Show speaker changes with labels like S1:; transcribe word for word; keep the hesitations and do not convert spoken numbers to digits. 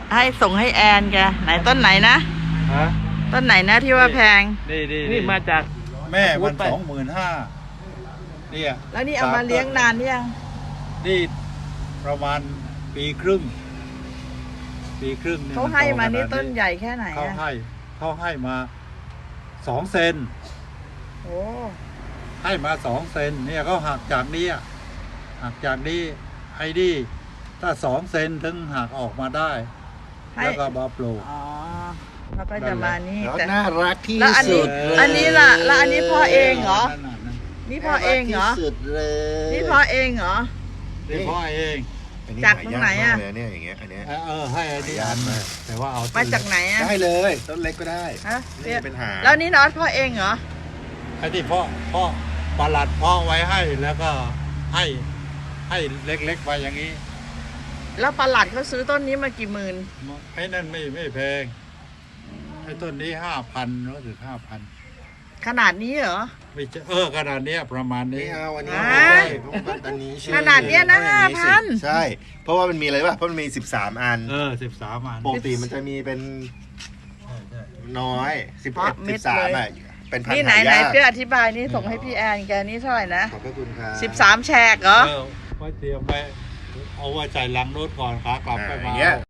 S1: ให้ส่งให้แอนแกไหนต้นไหนนะ
S2: ฮะ
S1: ต้นไหนนะที่ว่าแพง
S2: นี่นี่
S3: นี่มาจาก
S2: แม่มันสองหมื่นห้าเนี่ย
S1: แล้วนี่เอามาเลี้ยงนานหรือยัง
S2: นี่ประมาณปีครึ่ง ปีครึ่ง
S1: เขาให้มานี่
S2: โข
S1: ต้นใหญ่แค่ไหน
S2: เขา
S1: อะ
S2: ให้เขาให้มาสองเซน
S1: โอ้
S2: ให้มาสองเซนเนี่ยเขาหักจากนี้อะหักจากนี้ไอ้นี่ถ้าสองเซนถึงหักออกมาได้
S1: ให้
S2: แล้วก็มาปลูก
S1: อ๋อแล้วก็จะมานี่
S4: แล้ว
S1: แต่
S4: น่ารักที่
S1: แล้วอันนี้
S4: สุดเลย
S1: อันนี้ล่ะแล้วอันนี้พ่อเองเหรอ
S2: นั่นน่ะนั่น
S1: นี่พ่อเองเหรอ
S4: น่ารักที่สุดเลย
S1: นี่พ่อเองเหรอ
S2: นี่พ่อเอง
S4: อันนี้
S1: จากตรงไหนอะ
S4: ายากมากเลยเนี่ยอย่างเงี้ยอันเนี้ย
S2: เออเออให้ไอ้นี่
S4: หายากมาก
S2: แต่ว่าเอา
S1: มาจากไหนอะ
S4: ได้เลยต้นเล็กก็ได้
S1: ฮะ
S4: นี่เป็นหาง
S1: แล้วนี่นอตพ่อเองเหรอ
S2: ไอ้ที่พ่อพ่อประหลัดพ่อไว้ให้แล้วก็ให้ให้เล็กๆไปอย่างนี้
S1: แล้วประหลัดเขาซื้อต้นนี้มากี่หมื่น
S2: ไอ้นั่นไม่ไม่แพงไอ้ต้นนี้ห้าพันรู้สึกห้าพัน
S1: ขนาดนี้เหรอ
S2: ไม่ใช่เออขนาดเนี้ยประมาณนี้
S4: ไม่เอาอันนี้
S1: อ่า
S4: ไม่ได้เพราะว่าอันนี้ชื่อ
S1: ขนาดเนี้ยนะ
S4: ต้องอย่ง
S1: ห้าพัน
S4: สิใช่ เพราะว่ามันมีอะไรป่ะเพราะมันมีสิบสามอัน
S2: เออสิบสามอัน
S4: ปกติมันจะมีเป็น
S2: ใช่ใช่
S4: น้อยสิบ
S1: เพราะ
S4: เอ็ด
S1: เม็
S4: สิ
S1: ด
S4: บสาม
S1: เลย
S4: อ่ะเป็นพัน
S1: นี่
S4: ธุ์
S1: ไหน
S4: หา
S1: ไหน
S4: ยาก
S1: เพื่ออธิบายนี่ส่งให้พี่แอนแกนี่เท่าไหร่นะ
S4: ขอบพระคุณครับ
S1: สิบสามแฉกเหรอ
S2: เออไว้เตรียมไว้เอาไว้ใส่ลังรถก่อนขากลับ
S4: อ่า
S2: ไป
S4: อ
S2: มา
S4: ย่างเงี้ย